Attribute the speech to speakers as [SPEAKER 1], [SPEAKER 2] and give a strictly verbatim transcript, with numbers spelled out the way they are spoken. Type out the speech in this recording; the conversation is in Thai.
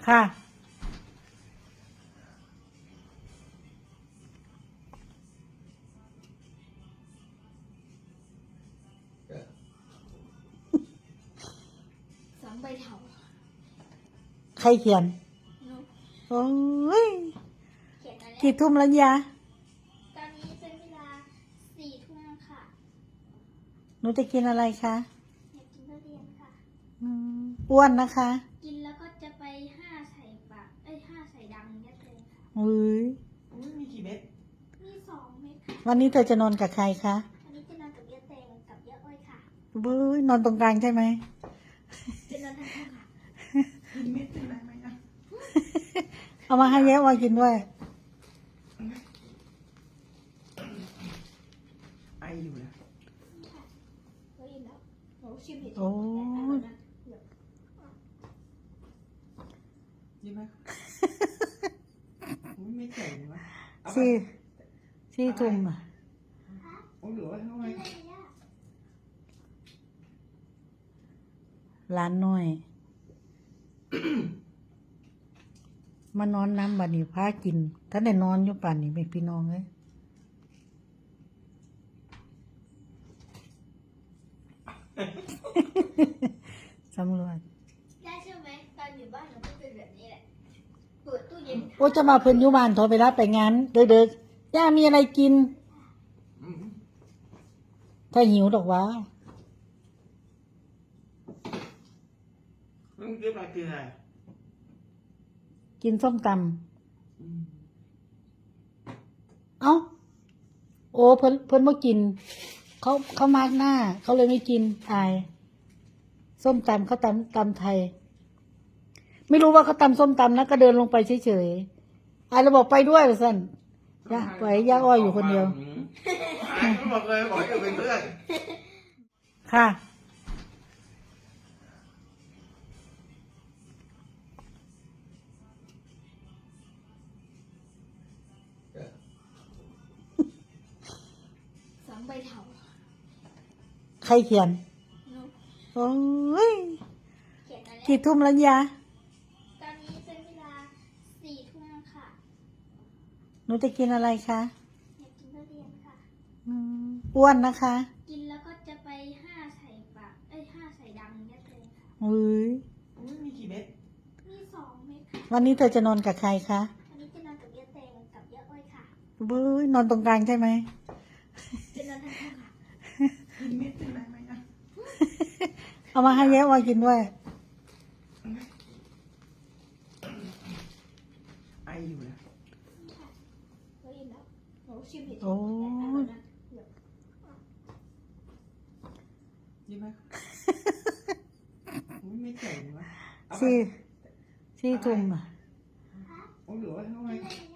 [SPEAKER 1] ค่ะ
[SPEAKER 2] สองใบเถา
[SPEAKER 1] ใครเขียนโอ้ย
[SPEAKER 2] เขียนอะไร
[SPEAKER 1] กี่ทุ่มแล้วยะ
[SPEAKER 2] ตอนนี้เป็นเวลาสี่ทุ่มค่ะ
[SPEAKER 1] หนูจะกินอะไรคะ
[SPEAKER 2] อยากกินทุเรียนค่ะ
[SPEAKER 1] อืมอ้วนนะคะ
[SPEAKER 2] กินแล้วก็จะไปห้าใส่ปากเอ้ยห้าใส่ดังเยอะเลยค่ะ
[SPEAKER 1] อุ้ย
[SPEAKER 3] อุ้ยมีกี่เม็ด
[SPEAKER 2] มีสองเม็ดค่ะ
[SPEAKER 1] วันนี้เธอจะนอนกับใครคะ
[SPEAKER 2] วันนี้จะนอนกับเยอะแตงกับเยอะอ้อยค่ะ
[SPEAKER 1] บื้อนอนตรงกลางใช่ไหม
[SPEAKER 2] จะนอนทั้งคู่ค่ะ
[SPEAKER 3] มีเม็ดเป็นไรไหมนะ
[SPEAKER 1] เอามาให้แย้วอยกินด้วย
[SPEAKER 3] ไออยู่นะ
[SPEAKER 2] ค่ะเราอิ่มแล้วหนูชิมเห็ด
[SPEAKER 1] โอ้ย
[SPEAKER 3] ยินไหมอุ้ยไม่ใหญ่เลยวะเอาไป
[SPEAKER 1] สี่สี่ทุ่มอะ
[SPEAKER 3] โอ้ยเหลือไว้เท่าไหร่
[SPEAKER 1] ร้านน้อย มานอนน้ำบัดนี้พากิน ถ้าได้นอนอยู่ป่านนี้เป็นพี่น้องเลย สำรวจ
[SPEAKER 2] ได้ใช่ไหมตอนอยู่บ้านเราก็เป็นแบบนี้แหละเปิดตู้เย็น
[SPEAKER 1] โอ้จะมาเพิ่นอยู่บ้านโทรไปรับไปงานเด็กๆย่ามีอะไรกิน
[SPEAKER 3] อืม
[SPEAKER 1] ถ้าหิวดอกวะ
[SPEAKER 3] มึงเก็บอะไรกินอะไร
[SPEAKER 1] กินส้มต
[SPEAKER 3] อืม
[SPEAKER 1] ำเอ้า โอ้เพิ่นเพิ่นบ่กิน เขาเขามากหน้า เขาเลยไม่กินอาย ส้มตำเขาตำตำไทย ไม่รู้ว่าเขาตำส้มตำนะก็เดินลงไปเฉยๆอายเราบอกไปด้วยว่าซั่นย่าปล่อยให้ย่าอ้อยอยู่คนเดียว
[SPEAKER 3] อืมบอกเลยบอกจะเป็นเพื่อน
[SPEAKER 1] ค่ะ
[SPEAKER 2] สองใบเถา
[SPEAKER 1] ใครเขียน
[SPEAKER 2] หนู
[SPEAKER 1] โอ้ย
[SPEAKER 2] เขียนอะไร
[SPEAKER 1] กี่ทุ่มแล้วยะ
[SPEAKER 2] ตอนนี้เป็นเวลาสี่ทุ่มค่ะ
[SPEAKER 1] หนูจะกินอะไรคะ
[SPEAKER 2] อยากกินทุเรียนค่ะ
[SPEAKER 1] อืมอ้วนนะคะ
[SPEAKER 2] กินแล้วก็จะไปห้าใส่ปากเอ้ยห้าใส่ดังเยอะเลยค่ะ
[SPEAKER 1] อุ้ย
[SPEAKER 3] อุ้ยมีกี่เม็ด
[SPEAKER 2] มีสองเม็ดค่ะ
[SPEAKER 1] วันนี้เธอจะนอนกับใครคะ
[SPEAKER 2] วันนี้จะนอนกับเยอะแตงกับเยอะอ้อยค่ะ
[SPEAKER 1] บื้อนอนตรงกลางใช่ไหม
[SPEAKER 2] จะนอนทั้งคู่ค่ะ
[SPEAKER 3] มีเม็ดเป็นไรไหมนะ
[SPEAKER 1] เอามาให้แย้วอยกินด้วย
[SPEAKER 3] ไออยู่นะ
[SPEAKER 2] ค่ะเราอิ่มแล้วหนูชิมเห็ด
[SPEAKER 1] โอ้ย
[SPEAKER 3] ยินไหมอุ้ยไม่ใหญ่เลยวะเอาไป
[SPEAKER 1] สี่สี่ทุ่มอะ
[SPEAKER 3] โอ้ยเหลือไว้เท่าไหร่
[SPEAKER 2] กินอะไร